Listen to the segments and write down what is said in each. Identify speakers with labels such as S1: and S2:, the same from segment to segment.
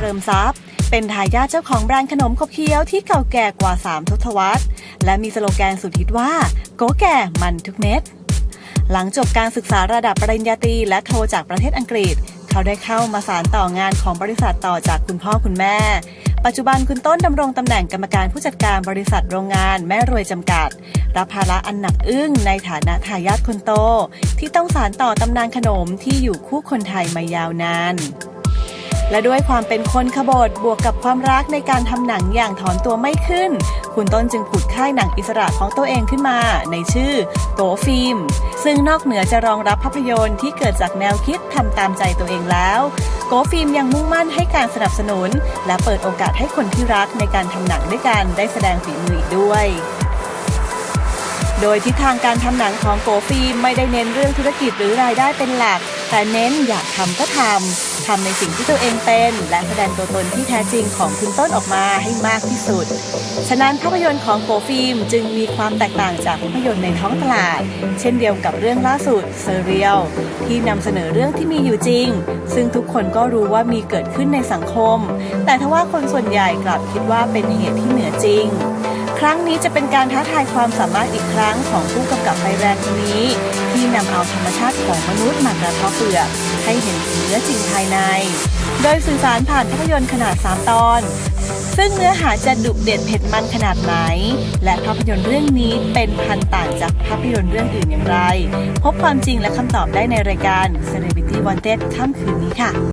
S1: ริญทรัพย์เป็นทายาทเจ้าของแบรนด์ขนมขบเคี้ยวที่เก่าแก่กว่า3ทศวรรษและมีสโลแกนสุดฮิตว่าโกแก่มันทุกเม็ดหลังจบการศึกษาระดับปริญญาตรีและโทจากประเทศอังกฤษเขาได้เข้ามาสานต่องานของบริษัทต่อจากคุณพ่อคุณแม่ปัจจุบันคุณต้นดำรงตำแหน่งกรรมการผู้จัดการบริษัทโรงงานแม่รวยจำกัดรับภาระอันหนักอึ้งในฐานะทายาทคนโตที่ต้องสานต่อตำนานขนมที่อยู่คู่คนไทยมายาวนานและด้วยความเป็นคนขบถบวกกับความรักในการทำหนังอย่างถอนตัวไม่ขึ้นคุณต้นจึงผุดค่ายหนังอิสระของตัวเองขึ้นมาในชื่อโกฟิล์มซึ่งนอกเหนือจะรองรับภาพยนตร์ที่เกิดจากแนวคิดทำตามใจตัวเองแล้วโกฟิล์มยังมุ่งมั่นให้การสนับสนุนและเปิดโอกาสให้คนที่รักในการทำหนังด้วยกันได้แสดงฝีมืออีกด้วยโดยทิศทางการทำหนังของโกฟิล์มไม่ได้เน้นเรื่องธุรกิจหรือรายได้เป็นหลักแต่เน้นอยากทำก็ทำในสิ่งที่ตัวเองเป็นและแสดงตัวตนที่แท้จริงของคุณต้นออกมาให้มากที่สุดฉะนั้นภาพยนตร์ของโกฟิล์มจึงมีความแตกต่างจากภาพยนตร์ในท้องตลาดเช่นเดียวกับเรื่องล่าสุดเซเรียลที่นำเสนอเรื่องที่มีอยู่จริงซึ่งทุกคนก็รู้ว่ามีเกิดขึ้นในสังคมแต่ทว่าคนส่วนใหญ่กลับคิดว่าเป็นเหตุที่เหนือจริงครั้งนี้จะเป็นการท้าทายความสามารถอีกครั้งของผู้กำกับไฟแรงคนนี้ที่นำเอาธรรมชาติของมนุษย์มากระทบเปลือกให้เห็นถึงเนื้อจริงภายในโดยสื่อสารผ่านภาพยนตร์ขนาด3ตอนซึ่งเนื้อหาจะดุเด็ดเผ็ดมันขนาดไหนและภาพยนตร์เรื่องนี้เป็นพันต่างจากภาพยนตร์เรื่องอื่นอย่างไรพบความจริงและคำตอบได้ในรายการ Celebrity Wanted ค่ำคืนนี้ค่ะ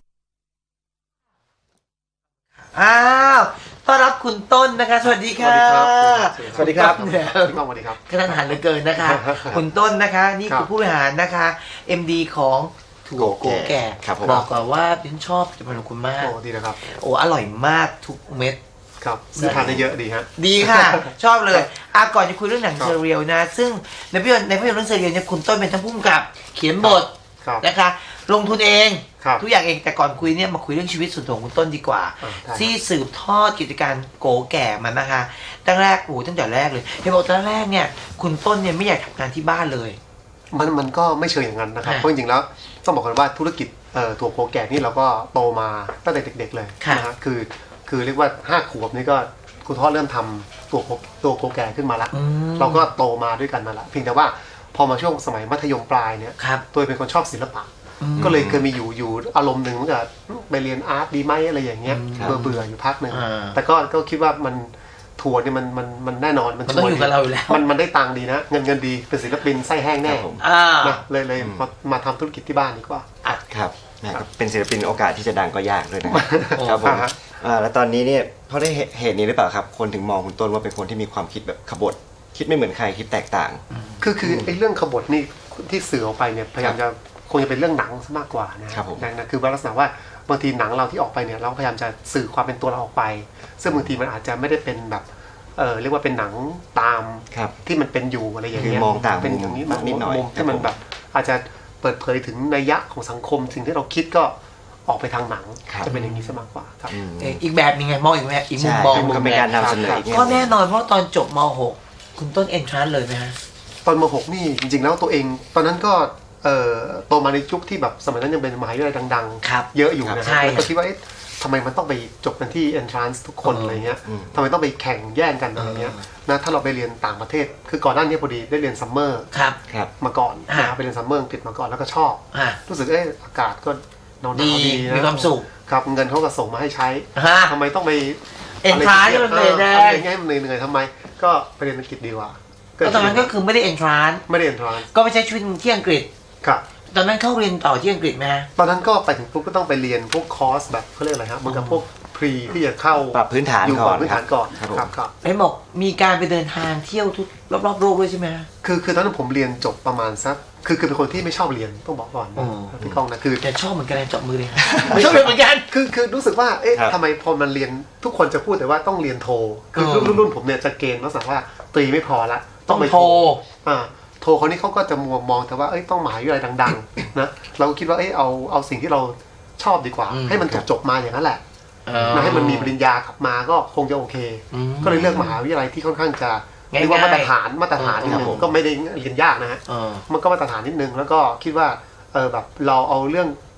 S2: ต้อนรับคุณต้นนะคะสวัสดีค่ะ
S3: สวัสดีครับ
S2: สวัสดีครับกระทันหันเหลือเกินนะคะคุณต้นนะคะนี่คือผู้บริหารนะคะ MD ของถั่วโกแก่บอกก่อนว่าฉันชอบผลิตภัณฑ์ของคุณมาก
S3: ดีนะครับ
S2: อร่อยมากทุกเม็ด
S3: ครับทานได้เยอะดีฮะ
S2: ดีค่ะชอบเลยก่อนจะคุยเรื่องหนังเซเรียลนะซึ่งในภาพยนตร์เรื่องเซเรียลเนี่ยคุณต้นเป็นทั้งผู้กำกับเขียนบทนะคะลงทุนเองทุกอย่างเองแต่ก่อนคุยเนี่ยมาคุยเรื่องชีวิตส่วนตัวของคุณต้นดีกว่าที่สืบทอดกิจการโกแก่มันนะคะตั้งแต่แรกเลยเห็นบอกตั้งแรกเนี่ยคุณต้นเนี่ยไม่อยากทำงานที่บ้านเลย
S3: มันก็ไม่เชิงอย่างนั้นนะครับเพราะจริงๆแล้วต้องบอกกันว่าธุรกิจถั่วโกแก่นี่เราก็โตมาตั้งแต่เด็กๆเลยนะฮะคือเรียกว่า5 ขวบนี่ก็คุณพ่อเริ่มทำตัวโกแก่ขึ้นมาละเราก็โตมาด้วยกันมาละเพียงแต่ว่าพอมาช่วงสมัยมัธยมปลายเนี่ยตัวเป็นคนชอบศิลปะก็เลยเคยมีอยู่อารมณ์หนึ่งว่าไปเรียนอาร์ตดีไหมอะไรอย่างเงี้ยเบื่ออยู่พักหนึ่งแต่ก็คิดว่ามันทัวร์นี่มันแน่นอน
S2: มันต้องอยู่กับเราอยู่แล้ว
S3: มันได้ตังค์ดีนะเงินดีเป็นศิลปินไส้แห้งแน่นะเลยมาทำธุรกิจที่บ้านดีกว่า
S4: ครับเป็นศิลปินโอกาสที่จะดังก็ยากด้วยนะครับผมแล้วตอนนี้เนี่ยเพราะได้เหตุนี้หรือเปล่าครับคนถึงมองคุณต้นว่าเป็นคนที่มีความคิดแบบขบถคิดไม่เหมือนใครคิดแตกต่าง
S3: คือไอ้เรื่องขบถนี่ที่สื่อออกไปเนี่ยพยายามจะคงจะเป็นเรื่องหนังซะมากกว่านะครับคือลักษณะว่าบางทีหนังเราที่ออกไปเนี่ยเราพยายามจะสื่อความเป็นตัวเราออกไปซึ่งบางทีมันอาจจะไม่ได้เป็นแบบเรียกว่าเป็นหนังตามที่มันเป็นอยู่อะไรอย่างเงี้ย
S4: มองต่าง
S3: เป็นอย่างนี้มุมที่มันแบบอาจจะเปิดเผยถึงนัยยะของสังคมสิ่งที่เราคิดก็ออกไปทางหนังจะเป็นอย่างนี้ซะมากกว่าครับ
S2: อีกแบบนึงไงมองอีกมุมมอง
S4: ก็เป็นการนำเสนอ
S2: ก็แน่นอนเพราะตอนจบม.6 คุณต้นเอนทรานซ์เลยไหมฮะ
S3: ตอนม.6 นี่จริงๆแล้วตัวเองตอนนั้นก็โตมาในยุคที่แบบสมัยนั้นยังเป็นมหาวิทยาลัยดังๆเยอะอยู่นะแล้วก็คิดว่าทำไมมันต้องไปจบกันที่ entrance ทุกคนอะไรเงี้ยทำไมต้องไปแข่งแย่งกันอะไรเงี้ยนะถ้าเราไปเรียนต่างประเทศคือก่อนหน้านี้พอดีได้เรียนซัมเมอร์มาก่อนนะไปเรียนซัมเมอร์อังกฤษมาก่อนแล้วก็ชอบรู้สึกอากาศก็หนาวดีนะ
S2: มีความสุข
S3: ครับเงินเขาก็ส่งมาให้ใช้ทำไมต้องไป
S2: entrance มันเหนื่อย
S3: มันเหนื่อยทำไมก็ไปเรียนอังกฤษดีกว่า
S2: ตอนนั้นก็คือไม่ได้ entrance ก็ไปใช้ชีวิตที่อังกฤษ
S3: ครับ
S2: ตอนนั้นเข้าเรียนต่อที่อังกฤษไหม
S3: ตอนนั้นก็ไปถึงปุ๊บก็ต้องไปเรียนพวกคอร์สแบบเขาเรียกอะไรครับเหมือนกับพวกพรีที่จะเข้า
S4: ปรับพื้นฐานก่อน
S3: ครับ
S2: ไอ้บอกมีการไปเดินทางเที่ยวทุกรอบโลกด้วยใช่ไหม
S3: คือตอนนั้นผมเรียนจบประมาณสักคือเป็นคนที่ไม่ชอบเรียนต้องบอกก่อนพี่ก้องนะคือ
S2: แต่ชอบเหมือนกันจบมือเลยไม่ชอบเรียนเหมือนกัน
S3: คือรู้สึกว่าทำไมพอมันเรียนทุกคนจะพูดแต่ว่าต้องเรียนโทคือรุ่นผมเนี่ยจะเกณฑ์ลักษณะว่าตรีไม่พอละ
S2: ต้องไปโท
S3: โทรคนนี้เขาก็จะมองแต่ว่าต้องมหาวิทยาลัยดังๆนะเราคิดว่าเอาสิ่งที่เราชอบดีกว่าให้มันจบมาอย่างนั้นแหละนะให้มันมีปริญญากลับมาก็คงจะโอเคก็เลยเลือกมหาวิทยาลัยที่ค่อนข้างจะเรียกว่ามาตรฐานนิดนึงก็ไม่ได้เรียนยากนะฮะมันก็มาตรฐานนิดนึงแล้วก็คิดว่าแบบเราเอาเรื่อง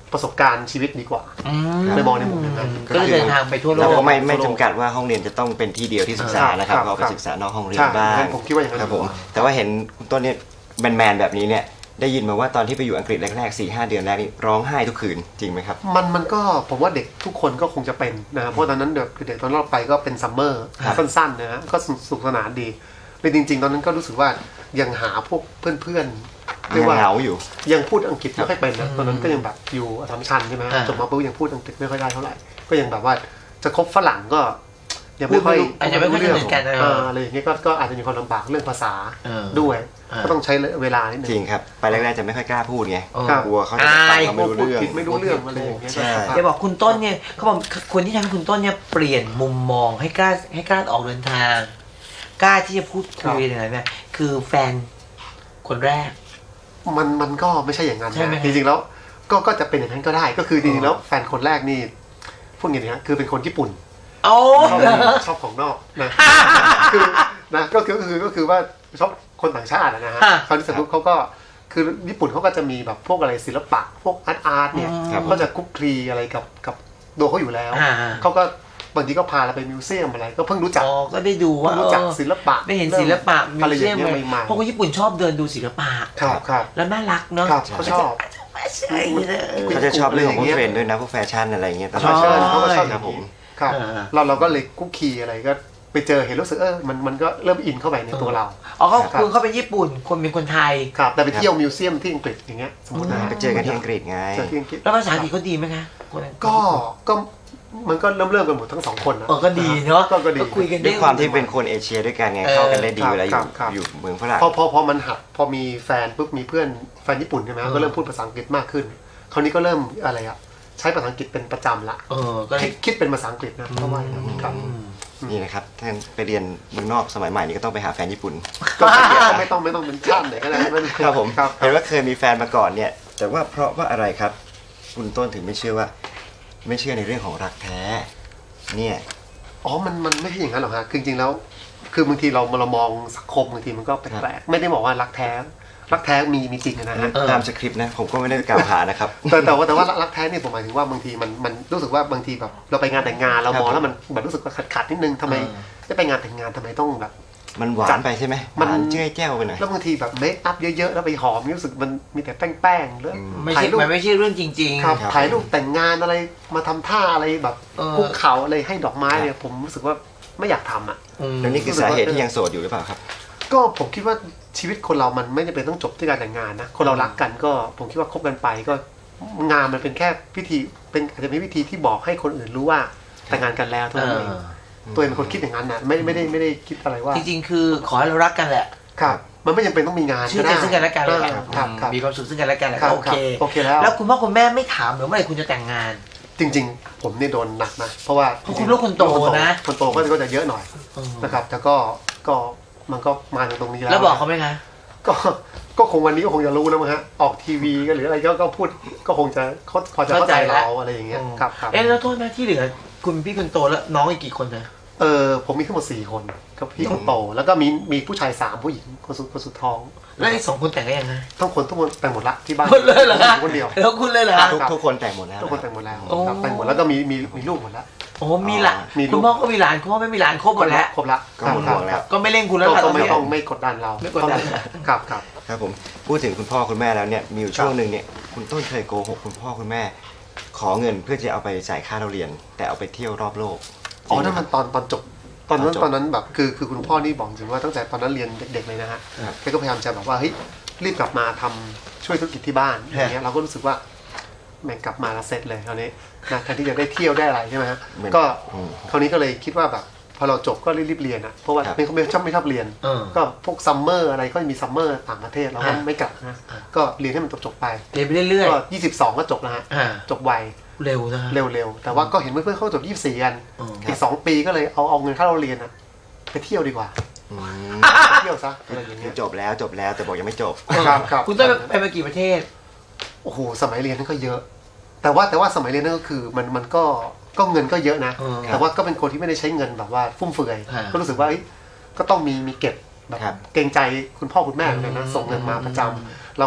S3: ประสบการณ์ชีวิตดีกว่า ไปมองในมุมอย่างนั้น
S2: ก็เลยเดินทางไปทั่วโล
S4: เรา
S2: ก
S4: ก็ไม่จำกัดว่าห้องเรียนจะต้องเป็นที่เดียวที่ศึกษานะครับ
S3: ครับ
S4: เราไปศึกษานอกห้องเรีย
S3: ใช่
S4: นบ้าง
S3: ผมคิดว่าอย่างนั้น
S4: ครับผมแต่ว่าเห็นคุณต้นเนี่ยแมนแบบนี้เนี่ยได้ยินมาว่าตอนที่ไปอยู่อังกฤษแรกๆ 4-5 เดือนแรกนี่ร้องไห้ทุกคืนจริงไหมครับ
S3: มันก็ผมว่าเด็กทุกคนก็คงจะเป็นนะครับเพราะตอนนั้นเด็กตอนเราไปก็เป็นซัมเมอร์
S4: ครับ
S3: สั้นๆนะฮะก็สนุกสนานดีเลยจริงๆตอนนั้นก็รู้สึกว่ายังหาพวกเพื่อนๆเรียกว่า
S4: เหงาอยู่
S3: ยังพูดอังกฤษไม่ค่อยเป็นนะตอนนั้นก็ยังแบบอยู่อัสสัมชัญใช่ไหมจบมาปุ๊บยังพูดอังกฤษไม่ค่อยได้เท่าไหร่ก็ยังแบบว่าจะคบฝรั่งก็ยังไม่ค่อย
S2: อาจจะไม่ค่อยสนิทกันนะ
S3: อะไรอย่างเงี้ยก็อาจจะมีความลำบากเรื่องภาษาด้วยก็ต้องใช้เวลานิดนึ
S4: จริ
S3: ง
S4: งครับไปแรกๆจะไม่ค่อยกล้าพูดไง
S3: ครับ
S4: กลัวเขาจะฟังเราไม่รู้
S3: พูด
S4: เรื่อง
S3: ผิดไม่รู้เรื่องอะไรอย่างเงี้ย
S4: ใช่
S3: ครับ
S2: จะบอกคุณต้นเนี่ยเขาบอกคนที่ทำให้คุณต้นเนี่ยเปลี่ยนมุมมองให้กล้าออกเดินทาง กล้าที่จะพูดคุยอะไรเนี่ยคือแฟนคนแรก
S3: มันก็ไม่ใช่อย่างนั้น
S2: ใช่ไหม
S3: นะจริงๆแล้วก็จะเป็นอย่างนั้นก็ได้ก็คือจริงๆแล้วแฟนคนแรกนี่พูดอย่างนี้นะคือเป็นคนญี่ปุ่น
S2: โอ้
S3: ชอบของนอกนะ คือนะก็คือว่าชอบคนต่างชาตินะฮะเขาที่สนุกเขาก็คือญี่ปุ่นเขาก็จะมีแบบพวกอะไรศิลปะพวกอาร์ตเนี่ย
S4: ครับ
S3: ก็จะคุกคลีอะไรกับตัวเขาอยู่แล้วเขาก็บางทีก็พาเราไปมิวเซียมอะไรก็เพิ่งรู้จัก
S2: อ๋อก็ได้ดูว่า
S3: รู้จักศิลปะ
S2: ได้เห็นศิลปะมิ
S3: อะไร
S2: ว
S3: อ
S2: เซีย
S3: ย่าม งเงี้ยใหม่ๆ
S2: เพราะคนญี่ปุ่นชอบเดินดูศิลปะ
S3: ครับ
S2: แล้วน่ารักเนาะ
S3: ครับเขาชอบ
S2: ไม่ใช่เลย
S4: เขาจะชอบเรื่องของพวกเทรนด์ด้วยนะพวกแฟชั่นอะไรเงี้ยตล
S3: แฟ
S4: อด
S3: ชั่นเขาก็ชอบอ
S4: ครั
S3: ย่า
S4: บ
S3: ง
S4: ผ
S3: นี้
S4: ม
S3: ครับเราก็เลยคุกคีอะไรก็ไปเจอเห็นรู้สึกมันก็เริ่มอินเข้าไปในตัวเรา
S2: อ๋อเขาเป็นญี่ปุ่นคนเป็นคนไทย
S3: ครับแต่ไปเที่ยวมิวเซียมที่อังกฤษอย่างเงี้ยสมมตินะ
S4: ไปเจอกันที่อังกฤษไง
S3: เจอที่อังกฤษ
S2: แล้วภาษาอังกฤษเขาดีไหมคะคนนั้น
S3: ก็มันก็เริ่มกันหมดทั้งสองคนนะ
S2: ก็ดีเนาะ
S3: ก็ดี
S2: คุยกัน
S4: ด้วยความที่เป็นคนเอเชียด้วยกันไงเข้ากันได้ดีเวลาอยู่เมืองฝรั่ง
S3: พอมันหัดพอมีแฟนปุ๊บมีเพื่อนแฟนญี่ปุ่นใช่ไหมก็เริ่มพูดภาษาอังกฤษมากขึ้นคราวนี้ก็เริ่มอะไรอะใช้ภาษาอังกฤษเป็นประจำละ
S2: ก็เลย
S3: คิดเป็นภาษาอังกฤษนะเพราะว่าครับ
S4: นี่นะครับถ้าไปเรียนเมืองนอกสมัยใหม่นี่ก็ต้องไปหาแฟนญี่ปุ่น
S3: ก็ไม่ต้องเป็นชาติไหนก็ได้
S4: ครับผม
S3: ครับ
S4: เห็นว่าเคยมีแฟนมาก่อนเนี่ย แต่ว่าเพราะว่าอะไรครับ คุณต้นถึงไม่เชื่อในเรื่องของรักแท้เนี่ย
S3: อ๋อมันไม่ใช่อย่างนั้นหรอกฮะคือจริงๆแล้วคือบางทีเรามองสังคมบางทีมันก็แปลกๆไม่ได้บอกว่ารักแท้มีจริงนะฮะ
S4: ตามสคริปต์นะผมก็ไม่ได้กล่าวหานะครับ
S3: แต่ว่ารักแท้เนี่ยผมหมายถึงว่าบางทีมันรู้สึกว่าบางทีแบบเราไปงานแต่งงานเรามองแล้วมันแบบรู้สึกว่าขัดนิดนึงทำไมได้ไปงานแต่งงานทำไมต้องแบบ
S4: มันหวานไปใช่ไหมห
S3: มัน
S4: วานเจ้ยแจ้วไปหน่อย
S3: แล้วบางทีแบบเมคอัพเยอะๆแล้วไปหอมรู้สึกมันมีแต่แป้งๆหรือ
S2: ไม่
S3: ถ่า
S2: ใช่
S3: ยรูป
S2: มันไม่ใช่เรื่องจริง
S3: ครับ
S4: ครับ
S3: ถ่ายรูปแต่งงานอะไรมาทำท่าอะไรแบบคุกเข่าอะไรให้ดอกไม้เนี่ยผมรู้สึกว่าไม่อยากทำอ่ะ
S4: แล้วนี่คือสาเหตุที่ยังโสดอยู่หรือเปล่าครับ
S3: ก็ผมคิดว่าชีวิตคนเรามันไม่จำเป็นต้องจบที่การแต่งงานนะคนเรารักกันก็ผมคิดว่าคบกันไปก็งานมันเป็นแค่พิธีเป็นอาจจะเป็นวิธีที่บอกให้คนอื่นรู้ว่าแต่งงานกันแล้วเท่านั้นเองตัวเองเป็นคนคิดอย่างนั้นนะไม่ได้คิดอะไรว่า
S2: จริงๆคือขอให้เรารักกันแหละ
S3: ครับมันไม่จำเป็นต้องมีงาน
S2: ชื่อใจซึ่งกันและกันแหละ
S3: ครับ
S2: มีความสุขซึ่งกันและกันแหละ
S3: ครับ
S2: โอเค
S3: โอเคแล้ว
S2: แล้วคุณพ่อคุณแม่ไม่ถามหรือเมื่อไหร่คุณจะแต่งงาน
S3: จริงๆผมเนี่ยโดนหนักนะเพราะว่า
S2: เพราะคุณลูกคนโตนะ
S3: คนโตก็จะเยอะหน่อยนะครับแต่ก็มันก็มาถึงตรงนี้แล้ว
S2: แล้วบอกเขาไหมคะ
S3: ก็คงวันนี้ก็คงจะรู้แล้วมั้งฮะออกทีวีก็หรืออะไรก็พูดก็คงจะเขาพอจะเข้าใจเราอะไรอย่างเงี้ยครับ
S2: แล้วโทษนะที่เหลือคุณพี่คนโตแล้วน้องอีกกี่คนนะ
S3: ผมมีทั้งหมด4 คนครับพี่คนโตแล้วก็มีผู้ชาย3ผู้หญิงคนสุดท้อง
S2: แล้วอีก2 คนแต่งได้ยังไง
S3: ทุกคนแต่งหมดละที่บ้าน
S2: หมดเลยเหรอ
S3: คนเดียว
S2: แล้วคุณเลยเหรอ
S4: ทุกคนแต่งหมดแล้ว
S3: ทุกคนแต่งหมดแล้ว
S2: โอ้
S3: ครับแต่งหมดแล้วก็มีลูกหมดแล้ว
S2: โอ้มีหลาน
S3: มีลูก
S2: คุณพ่อก็มีหลานคุณพ่อไม่มีหลานครบหมดแล้ว
S3: ครบละ
S4: ก็หมดห่วงแล้ว
S2: ก็ไม่เล่นคุณแล้ว
S3: ก็
S2: ล่ะ
S3: ไม่
S2: ต
S3: ต้
S2: อ
S3: อน ง
S2: นี้
S3: ไม่กดดันเรา
S2: ไม่กดดัน
S3: ครับ
S4: ครับผมพูดถึงคุณพ่อคุณแม่แล้วเนี่ยมีอยู่ช่วงหนึ่งเนี่ยคุณต้นเคยโกหกคุณพ่อคุณแม่ ขอเงินเพื่อจะเอาไปจ่ายค่าเราเรียน แต่เอาไปเที่ยวรอบโลก
S3: อ๋อนั่นมันตอนจบตอน
S4: ตอนจบ
S3: นั้นแบบคือคุณพ่อนี่บอกจริงว่าตั้งแต่ตอนนั้นเรียนเด็กๆเลยนะฮะ
S4: ครับ
S3: แกก็พยายามจะแบบว่าเฮ้ยรีบกลับมาทำช่วยธุรกิจที่บ้านอย่างเงี้ยเราก็รู้สึกว่าแม่งกลับมาแล้วเสร็จเลยคราวนี้นะแทนที่จะได้เที่ยวได้อะไรใช่ไหมฮะก็คราวนี้ก็เลยคิดว่าแบบพอเราจบก็รีบเรียนอ่ะเพราะว่าไม่ชอบเรียน ก็พวกซัมเมอร์อะไรก็มีซัมเมอร์ต่างประเทศเราก็ไม่กลับนะก็เรียนให้มันจบไป
S2: เรียนไปเรื่อย
S3: ก็22ก็จบแล้วฮะ
S2: ๆ
S3: จบไว
S2: เร็วนะ
S3: เร็วๆแต่ว่าก็เห็นเพื่อนๆเขาจบ24กัน
S2: อืม
S3: อีก2 ปีก็เลยเอาเงินค่าเราเรียนอะไปเที่ยวดีกว่า
S4: อืม
S3: ไปเที่ยวซะอะไรอย่าง
S4: คื
S3: เงี้
S4: อย จบแล้วแต่บอกยังไม่จบ
S3: ครับ
S2: คุณต้นไปมากี่ประเทศ
S3: โอ้โหสมัยเรียนนั่นก็เยอะ แต่ว่าสมัยเรียนนั่นก็คือมันก็เงินก็เยอะนะ แต่ว่าก็เป็นคนที่ไม่ได้ใช้เงินแบบว่าฟุ่มเฟือยก็รู้สึกว่าก็ต้องมีเก็บแบบ
S4: ครับ
S3: เกรงใจคุณพ่อคุณแม่เหมือนกันนะส่งเงินมาประจำเราก็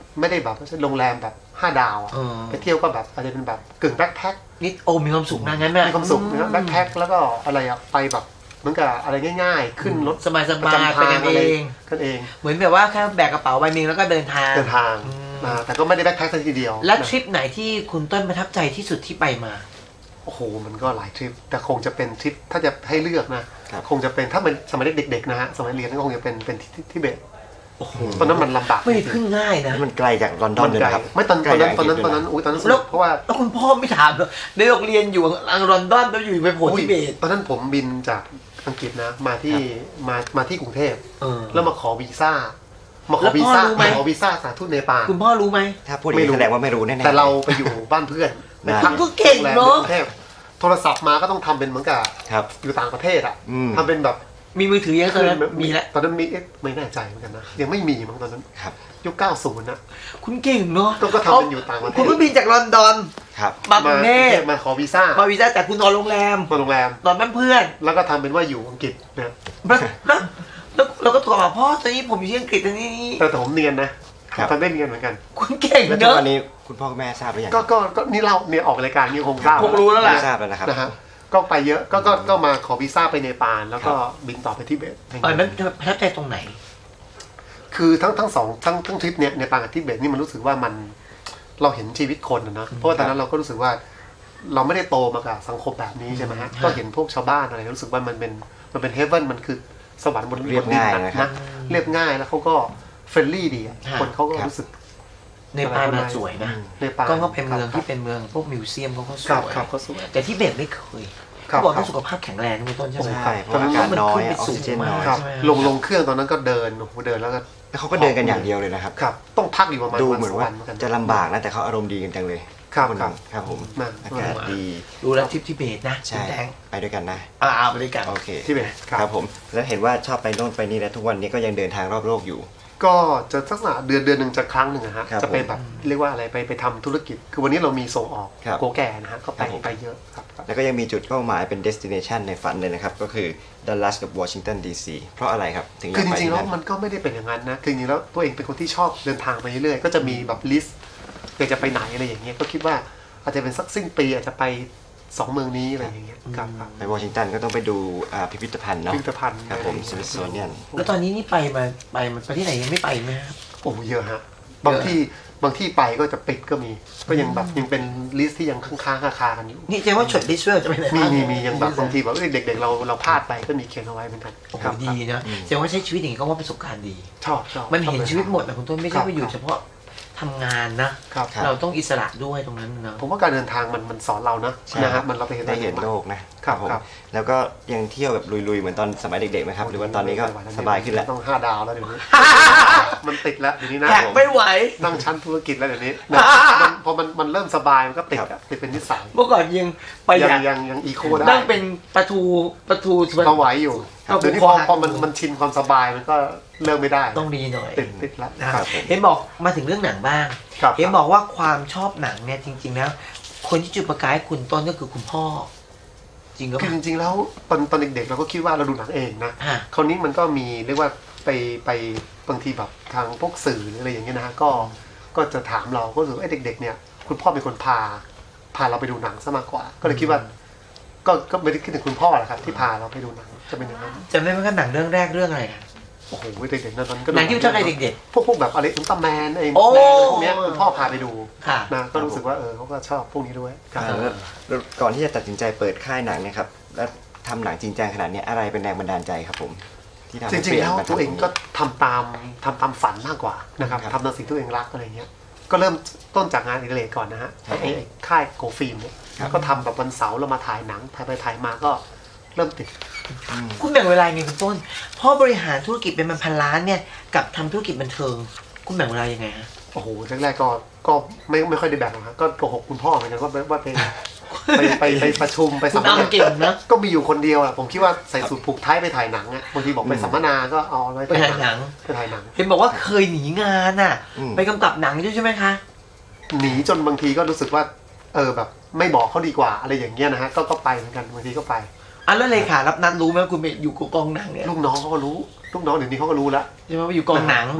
S3: ไม่ได้แบบโรงแรมแบบ5 ดาวอะไปเที่ยวก็แบบอาจจะเป็นแบบกึ่งแบ็คแพ็ค
S2: นี่โอ้มีความสุขนะงั้นน่ะ
S3: มีความสุขนะแบ็คแพ็คแล้วก็อะไรอะไปแบบเหมือนกับอะไรง่ายๆ ขึ้นรถ
S2: สบายๆ
S3: ประจำ
S2: ไปกันเอง
S3: กันเอง
S2: เหมือนแบบว่าแค่แบกกระเป๋าใบหนึงแล้วก็เดินทาง
S3: แต่ก็ไม่ได้แบ็คแพ็คทีเดียว
S2: และทริปไหนที่คุณต้นประทับใจที่สุดที่ไปมา
S3: โอ้โหมันก็หลายทริปแต่คงจะเป็นทริปถ้าจะให้เลือกนะคงจะเป็นถ้าเป็นสมัยเด็กๆนะฮะสมัยเรียนก็คงจะเป็นทิเบตตอนนั้นมันลำบาก
S2: ไม่ได้พึ่งง่ายนะ
S4: มันไกลจากลอนดอนเลยนะครับ
S3: ไม่ตอนนั้นอุ้ยตอนนั้นสนุกเพราะว่า
S2: แล้วคุณพ่อไม่ถามเหรอในโรงเรียนอยู่อังลอนดอนแล้วอยู่ไปโผล่ทิเบต
S3: ตอนนั้นผมบินจากอังกฤษนะมาที่กรุงเทพ
S2: แล้
S3: แล้ว วมาขอวีซ่าสถานทูตเนปาล
S2: คุณพ่อรู้ไหม
S4: ถ้าพูดอย่างนี้แสดงว่าไม่รู้แน่ๆ
S3: แต่เราไปอยู่บ้านเพื่อนใน
S2: ก็เก่งเนอะ
S3: กรุงเทพโทรศัพท์มาก็ต้องทำเป็นเหมือนกับ
S4: ครับ
S3: อยู่ต่างประเทศอ่ะ
S4: อืม
S3: ทำเป็นแบบ
S2: มีมือถือยังตอนนั้นมีแล้ว
S3: ตอนนั้นมีไม่แน่ใจเหมือนกันนะยังไม่มีมั้งตอนนั้น
S4: ครับ
S3: ยุค 90 นะ
S2: คุณเก่งเนาะ
S3: ก็ทำเป็นอยู่ต่างประเทศ
S2: คุณเพิ่งบินจากลอนดอน
S4: ครับ
S2: มากรุงเทพ
S3: มาขอวีซ่า
S2: พอวีซ่าจากคุณนอนโรงแรม
S3: มาโรงแรม
S2: นอนบ้านเพื่อน
S3: แล้วก็ทำเป็นว่าอยู่อังกฤษนะ
S2: แล้วเราก็โทรมาพ่อตอนนี้ผมอยู่ที่อังกฤษตอนนี้
S3: แต่ผมเนียนนะครับ ทำได้เนียนเหมือนกัน
S2: คุณเก่ง
S4: แล้วทุ
S2: เน
S4: ก
S2: อะ
S4: วันนี้คุณพ่อคุณแม่ทราบหรือยัง
S3: ก็นี่เราเนี่ยออกรายการนี่คงทราบ
S2: คงรู้แล้วแหละ
S4: ทราบแล้วนะครับ
S3: นะฮะก็ไปเยอะก็มาขอวีซ่าไปเนปาลแล้วก็บินต่อไปทิเบต
S2: มันประทับใจตรงไหน
S3: คือทั้งสองทั้งทริปเนี่ยเนปาลกับทิเบตนี่มันรู้สึกว่ามันเราเห็นชีวิตคนนะเพราะว่าตอนนั้นเราก็รู้สึกว่าเราไม่ได้โตมากับสังคมแบบนี้ใช่ไหมฮะก็เห็นพวกชาวบ้านอะไรรู้สึกว่ามันเป็นเฮเว่นมันคือสวรรค์บน
S4: เรียบง่ายนะครับ
S3: เรียบง่ายแล้วเขาก็เฟรนลี่ดีอะ
S2: ฮะ
S3: คนเขาก็รู้สึก
S2: ในปาลมันสวยนะ
S3: เนปาล
S2: ก็เป็นเมืองที่เป็นเมืองพวกมิวเซียมเขาก็ส
S3: ครับ
S2: วย
S3: ครับเขาสวย
S2: แต่ที่เบตไม่เคย
S3: ครับ
S2: เขาบอกว่าสุขภาพแข็งแรงคุณต้นใช่ไหม
S4: ใช่เพราะอากาศน้อยออกซิเจนน้อย
S3: ครับ
S2: ใช่ไหม
S3: ลงเครื่องตอนนั้นก็เดินโอ้โหเดินแล้วก็
S4: แล้วเขาก็เดินกันอย่างเดียวเลยนะครับ
S3: ครับต้องพักอยู่ประมาณ
S4: ดู
S3: วัน
S4: เหมือน
S3: สอง
S4: ว่า
S3: วันเหมือนกัน
S4: จะลำบากนะแต่เขาอารมณ์ดีกันจังเลย
S3: ครับ
S4: น
S3: ครับ
S4: ครับผม
S3: นั่น
S4: อากาศดี
S2: ดูแล้วทริปที่เบตนะ
S4: ใช่
S2: คุณแดง
S4: ไปด้วยกันนะ
S2: เอาไปด้วยกัน
S4: โอเค
S3: ที่เบตค
S4: ค
S3: รั
S4: รับ บผมแล้วเห็นว่าชอบไปโน่นไปนี่แล้วทุกวันนี้ก็ยังเดินทางรอบโลกอยู่
S3: ก็จะลักษณะเดือนหนึ่งจะครั้งหนึ่งนะฮะ
S4: ครับ
S3: จะไปแบบเรียกว่าอะไรไปทำธุรกิจ คือวันนี้เรามีส่งออก
S4: ครับ
S3: โกแก่นะฮะก็
S4: ครับผม
S3: ไปเยอะครับ
S4: แล้วก็ยังมีจุดเป้าหมายเป็น destination ในฝันเลยนะครับ ก็คือดัลลัสกับวอชิงตันดีซีเพราะอะไรครับ ถึงอยา
S3: คื
S4: ก
S3: อจ
S4: ไป
S3: ริงๆ
S4: ที่
S3: แล้ว
S4: นั่น
S3: มันก็ไม่ได้เป็นอย่างนั้นนะคือจริงๆแล้วตัวเองเป็นคนที่ชอบเดินทางไปเรื่อยๆก็จะมีแบบลิสต์อยากจะไปไหนอะไรอย่างเงี้ยก็คิดว่าอาจจะเป็นสักสิ้นปีอาจจะไป2 เมืองนี้อะไรอย่างเงี้ยครับ
S4: ไปวอชิงตันก็ต้องไปดูพิพิธภัณฑ์เนาะ
S3: พิพิธภัณฑ์
S4: ครับผมสมิธโซเนียน
S2: แล้วตอนนี้นี่ไปประเทศไหนยังไม่ไปไหมครับ
S3: โอ้เยอะฮะบางที่ไปก็จะปิดก็มี ก็ยังแบบยังเป็นลิสต์ที่ยังค้างคากันอยู่
S2: นี่แสดงว่าช็อตลิสต์จะไปไหนบ้าง
S3: มียังแบบบางทีแบบเด็กๆเราพลาดไปก็มีเขียนเอาไว้เหมือนกัน
S2: โอ้โห
S3: ครับ
S2: ดีนะแสดงว่าใช้ชีวิตอย่างนี้ก็ว่าประสบการณ์ดี
S3: ชอบ
S2: มันเห็นชีวิตหมดนะคุณต้นไม่ใช่ว่าอยู่เฉพาะทำงานนะ
S3: ครับ
S4: ครับ
S2: เราต้องอิสระด้วยตรงนั้นนะ
S3: ผมว่าการเดินทางมันสอนเรานะ
S4: ใช่
S3: นะฮะมันเราไปเห็น
S4: ได้เห็นโลกนะครับ ผม
S3: ครับ
S4: แล้วก็ยังเที่ยวแบบลุยๆเหมือนตอนสมัยเด็กๆไหมครับหรือว่าตอนนี้ก็สบายขึ้นแล้ว
S3: ต้อง5 ดาวแล้วเดี๋ยวนี้ มันติดแล้วเดี๋ยวนี้นะ
S2: แขกไม่ไหว
S3: นั่งชั้นธุรกิจแล้วเดี๋ยวนี้นะพอมันเริ่มสบายมันก็ติดอะติดเป็นนิสัย
S2: เมื่อก่อนยังไปอยาก
S3: ยังอีโคได้
S2: นั่งเป็นประตู
S3: ก็ไหวอยู่
S2: ครับ
S3: เดี๋ยวนี้
S2: ผม
S3: พอมันชินความสบายมันก็เลิกไม่ได้
S2: ต้องดีหน่อย
S3: ติดแล้ว
S2: นะครับ
S4: ผม
S2: เห็นบอกมาถึงเรื่องหนังบ้าง
S3: ครับ
S2: เห็นบอกว่าความชอบหนังเนี่ยจริงๆแล้วคนที่จุดประกายให้คุณต้นก็คือคุณพ่อ จริงก็
S3: คือจริงๆแล้วตอนเด็กๆเราก็คิดว่าเราดูหนังเองนะ
S2: ฮะ
S3: คราวนี้มันก็มีเรียกว่าไปบางทีแบบทางพวกสื่อหรืออะไรอย่างเงี้ยนะฮะก็จะถามเราก็รู้สึกว่าเด็กๆเนี่ยคุณพ่อเป็นคนพาเราไปดูหนังซะมากกว่า ก็เลยคิดว่าก็ไม่ได้คิดถึงคุณพ่อแหละครับที่พาเราไปดูหนังจะเป็นอย่างนั้น
S2: จำได้ไหมว่าหนังเรื่องแรกเรื่องอะไรอะ
S3: โอ้โหเด็กๆนั้นก็
S2: หนังที่ชอบในเด็ก
S3: พวกแบบอะไรอุลตร้าแมนไอ้
S2: โอ้
S3: แมนอะไรพวกเนี้ยคุณพ่อพาไปดู
S2: ๆค่ะ
S3: นะก็รู้สึกว่าเขาก็ชอบพวกนี้ด้วยครับ
S4: แล้วก่อนที่จะตัดสินใจเปิดค่ายหนังเนี่ยครับแล้วทำหนังจริงจังขนาดนี้อะไรเป็นแรงบันดาลใจครับผมที่ทำ
S3: จ
S4: ให้
S3: ริง
S4: เป
S3: ๆ
S4: ลี่ยน
S3: แล้ว
S4: มา
S3: ตัวเอง
S4: ทำตร
S3: ก็
S4: นี้
S3: ทำตามฝันมากกว่านะครับ
S4: ครับ
S3: ทำตามสิ่งที่ตัวเองรักอะไรเงี้ยก็เริ่มต้นจากงานอดิเรกก่อนนะฮะ
S4: ครับ
S3: ไอ้ค่ายโกฟิล์มเนี่ย
S4: ครับ
S3: ก็ทำแบบวันเสาร์เรามาถ่ายหนังถ่ายไปถ่ายมาก็เริ่มติด
S2: คุณแบ่งเวลาไงคุณต้นเพราะบริหารธุรกิจเป็นพันล้านเนี่ยกับทำธุรกิจบันเทิง คุณแบ่งเวลายังไงฮะ
S3: โอ้โหแรกๆก็ไม่ค่อยได้แบ่งหรอกครับก็โกหกคุณพ่อเหมือนกันว่าไปประชุมไป
S2: คุ
S3: สั
S2: ณ
S3: มม
S2: อ้ำ
S3: นา
S2: เก่งนะ
S3: ก็มีอยู่คนเดียวแหละผมคิดว่าใส่สูทผูกไทยไปถ่ายหนังอ่ะบางทีบอกไปสัมมนาก็เอาไว้
S2: ไปถ่ายหนัง
S3: ไปถ่ายหนัง
S2: เห็นบอกว่าเคยหนีงานอ่ะ
S4: อืม
S2: ไปกำกับหนังด้วยใช่ไหมคะ
S3: หนีจนบางทีก็รู้สึกว่าแบบไม่บอกเขาดีกว่าอะไรอย่างเงี้ยนะฮะก็ไปเหมือนกันบางทีก็ไป
S2: อ่ะแล้วเลขารับนัดรู้ไหมว่าคุณไปอยู่กองหนังเนี่ย
S3: ลูกน้องเขาก็รู้ลูกน้องเดี๋ยวนี้เขาก็รู้แล้ว
S2: ใช่ไหมว่าอยู่กองหนัง
S3: นะฮะ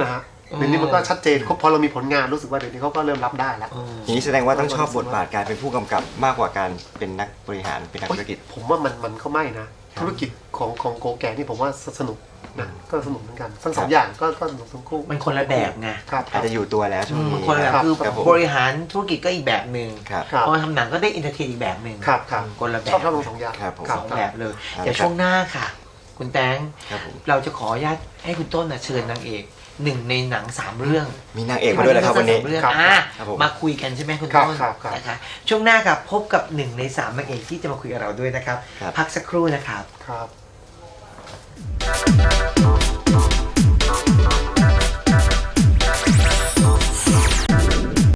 S3: เดี๋ยวนี้มันก็ชัดเจนพอเรามีผลงานรู้สึกว่าเดี๋ยวนี้เขาก็เริ่มรับได้แล้ว
S4: อย่างนี้แสดงว่าต้องชอบบทบาทการเป็นผู้กำกับมากกว่าการเป็นนักบริหารเป็นนักธุรกิจ
S3: ผมว่ามันก็ไม่นะธุรกิจของโกแก่นี่ผมว่าสนุกนะก็สนุกเหมือนกันทั้งสองอย่างก็สนุกทั้งคู่
S2: มันคนละแบบไง
S3: ครับ
S4: อาจจะอยู่ตัวแล้วช่วงนี้
S2: มันคนละแบบคือ
S4: ครับผม
S2: บริหารธุรกิจก็อีกแบบหนึ่ง
S4: ครับ
S3: ครับ
S2: พอมาทำหนังก็ได้อินเตอร์เทนอีกแบบหนึ่ง
S3: ครับ
S2: คนละแบบ
S3: ชอบทั้งสองอย่าง
S4: ครับผม
S2: สองแบบเลย
S4: ครับ
S2: เดี๋ยวช่วงหน้าค่ะ คุณแตง
S4: ครับผม
S2: เราจะขออนุญาตให้คุณต้นเชิญนางเอกหนึ่งในหนัง3 เรื่อง
S4: มีนางเอกมาด้วยนะครับวันนี้
S2: สามเรื่อง
S3: ครับ
S2: อ่ะ
S4: ครับผม
S2: มาคุยกันใช่ไหมคุณ
S3: ครับ
S2: ต้น
S3: ครับ
S2: นะคะช่วงหน้ากับพบกับ1 ใน 3นางเอกที่จะมาคุยกับเราด้วยนะครับ
S4: ครับ
S2: พักสักครู่นะครับ
S3: ครับ